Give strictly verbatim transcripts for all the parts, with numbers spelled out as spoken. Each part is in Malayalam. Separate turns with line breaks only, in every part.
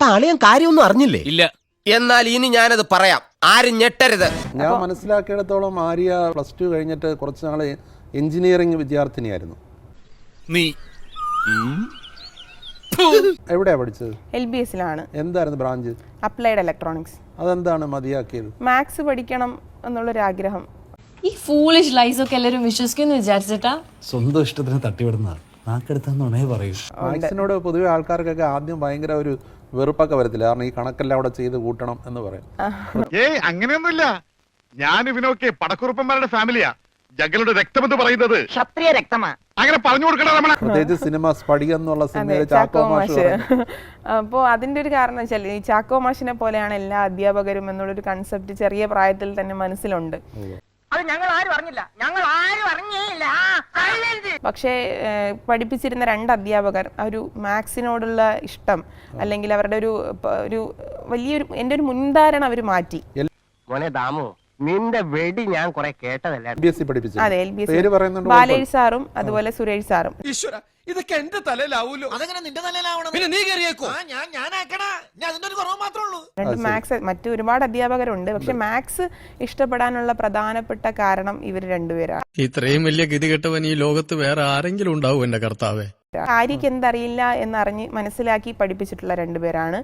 അപ്പൊ അളിയൻ കാര്യമൊന്നും അറിഞ്ഞില്ലേ?
ഇല്ല.
എന്നാൽ ഇനി ഞാനത് പറയാം, ആരും ഞെട്ടരുത്.
ഞാൻ മനസ്സിലാക്കിയിടത്തോളം ആര്യ പ്ലസ് ടു കഴിഞ്ഞിട്ട് കുറച്ച് നാള് എഞ്ചിനീയറിംഗ് വിദ്യാർത്ഥിനിയായിരുന്നു.
നീ
എവിടെയാ പഠിച്ചത്?
എൽ ബി എസിലാണ്.
എന്തായിരുന്നു ബ്രാഞ്ച്?
Applied electronics.
അതെന്താണ് മതിയാക്കിയത്?
മാത്സ് പഠിക്കണം എന്നുള്ളൊരു ആഗ്രഹം.
ഈ ഫൂളിഷ് ലൈസ് ഒക്കെ എല്ലാവരും വിശ്വസിക്കുന്നു വിചാരിച്ചിട്ടാ?
സ്വന്തം ഇഷ്ടത്തിന് തട്ടിവിടുന്നതാണ്. നാക്കെടുത്താന്നുണേ പറയൂ.
മാത്സിനോട് പൊതുവെ ആൾക്കാർക്കൊക്കെ ആദ്യം ഭയങ്കര ഒരു വെറുപ്പൊക്കെ വരത്തില്ല, കാരണം ഈ കണക്കെല്ലാം അവിടെ ചെയ്ത് കൂട്ടണം എന്ന് പറയും.
ഏയ് അങ്ങനെയൊന്നുമില്ല. ഞാൻ ഇവനൊക്കെ പടക്കുറുപ്പന്മാരുടെ ഫാമിലിയാ. ജഗലുടെ രക്തമെന്ന് പറയുന്നത് ക്ഷത്രിയ രക്തമാ. അങ്ങനെ പറഞ്ഞു കൊടുക്കണം.
പ്രത്യേകിച്ച് സിനിമ സ്പടികം എന്നുള്ള സിനിമയിൽ ചാക്കോ മാഷ്.
അപ്പോൾ അതിന്റെ ഒരു കാരണം വെച്ചാൽ ഈ ചാക്കോ മാഷിനെ പോലെയാണ് എല്ലാ അധ്യാപകരും എന്നുള്ളൊരു കൺസെപ്റ്റ് ചെറിയ പ്രായത്തിൽ തന്നെ മനസ്സിലുണ്ട്. പക്ഷേ പഠിപ്പിച്ചിരുന്ന രണ്ട് അധ്യാപകർ ഒരു മാത്സിനോടുള്ള ഇഷ്ടം അല്ലെങ്കിൽ അവരുടെ ഒരു ഒരു വലിയൊരു എൻ്റെ ഒരു മുൻധാരണ അവർ മാറ്റി.
നിന്റെ വെടി ഞാൻ കുറെ കേട്ടതല്ല.
അതെ, എൽ ബി എസ് ബാലേഷ് സാറും അതുപോലെ സുരേഷ് സാറും.
ഇതൊക്കെ എന്റെ തലയിലാവൂലോ. അതെങ്ങനെ നിന്റെ തലയിലാവണം? പിന്നെ നീ കയറിയേക്കോ? ഞാൻ ഞാനാക്കണ ഞാൻ അതിന്റെ ഒരു കുറവ് മാത്രമേ ഉള്ളൂ.
രണ്ട് മാത്സ് മറ്റു ഒരുപാട് അധ്യാപകരുണ്ട്, പക്ഷെ മാത്സ് ഇഷ്ടപ്പെടാനുള്ള പ്രധാനപ്പെട്ട കാരണം ഇവർ രണ്ടുപേരാണ്.
ഇത്രയും വലിയ ഗതികെട്ടവൻ ഈ ലോകത്ത് വേറെ ആരെങ്കിലും ഉണ്ടാവും എന്റെ കർത്താവേ?
ആര്യക്ക് എന്തറിയില്ല എന്നറിഞ്ഞ് മനസ്സിലാക്കി പഠിപ്പിച്ചിട്ടുള്ള രണ്ടുപേരാണ്.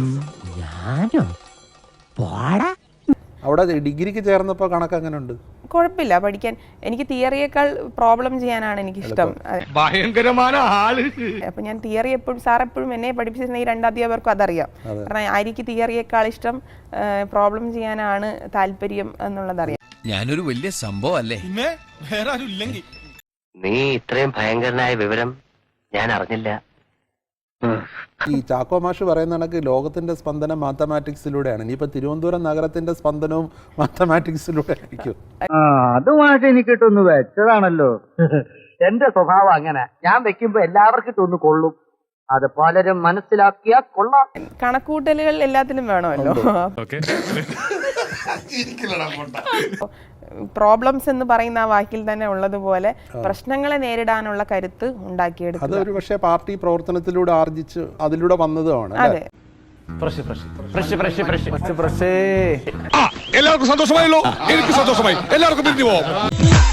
അവിടെ ഡിഗ്രിക്ക് ചേർന്നപ്പോ കണക്ക് അങ്ങനെ ഉണ്ട്?
കുഴപ്പമില്ല, പഠിക്കാൻ. എനിക്ക് തിയറിയേക്കാൾ പ്രോബ്ലം ചെയ്യാനാണ് എനിക്കിഷ്ടം.
ഭയങ്കരമായ ആള്.
അപ്പൊ ഞാൻ തിയറി എപ്പോഴും സാർ എപ്പോഴും എന്നെ പഠിപ്പിച്ചിരുന്ന ഈ രണ്ട് അധ്യാപകർക്കും അതറിയാം. കാരണം ആര്യക്ക് തിയറിയേക്കാൾ ഇഷ്ടം പ്രോബ്ലം ചെയ്യാനാണ് താല്പര്യം എന്നുള്ളതറിയാം.
ഞാനൊരു വലിയ സംഭവം അല്ലേ? വേറെ ആരും ഇല്ലെങ്കിൽ
നീ ഇത്രയും ഭയങ്കരനായ വിവരം ഞാൻ അറിഞ്ഞില്ല.
ഈ ചാക്കോ മാഷ് പറയുന്ന കണക്ക് ലോകത്തിന്റെ സ്പന്ദനം മാത്തമാറ്റിക്സിലൂടെയാണ്. ഇനിയിപ്പോ തിരുവനന്തപുരം നഗരത്തിന്റെ സ്പന്ദനവും മാത്തമാറ്റിക്സിലൂടെ ആയിരിക്കും.
അതുമായിട്ട് എനിക്ക് ഇട്ടൊന്ന് വെച്ചതാണല്ലോ. എന്റെ സ്വഭാവം അങ്ങനെ, ഞാൻ വെക്കുമ്പോ എല്ലാവർക്കും ഇട്ടൊന്ന് കൊള്ളും. അത് പലരും മനസ്സിലാക്കിയാ കൊള്ളാം.
കണക്കൂട്ടലുകൾ എല്ലാത്തിലും വേണമല്ലോ. പ്രോബ്ലംസ് എന്ന് പറയുന്ന ആ വാക്കിൽ തന്നെ ഉള്ളതുപോലെ പ്രശ്നങ്ങളെ നേരിടാനുള്ള കരുത്ത് ഉണ്ടാക്കിയെടുക്കും.
അത് ഒരു പക്ഷേ പാർട്ടി പ്രവർത്തനത്തിലൂടെ ആർജിച്ച് അതിലൂടെ വന്നതുമാണ്.
അതെ.
എല്ലാവർക്കും സന്തോഷമായല്ലോ. എനിക്ക് സന്തോഷമായി. എല്ലാവർക്കും പിരിഞ്ഞു പോവാം.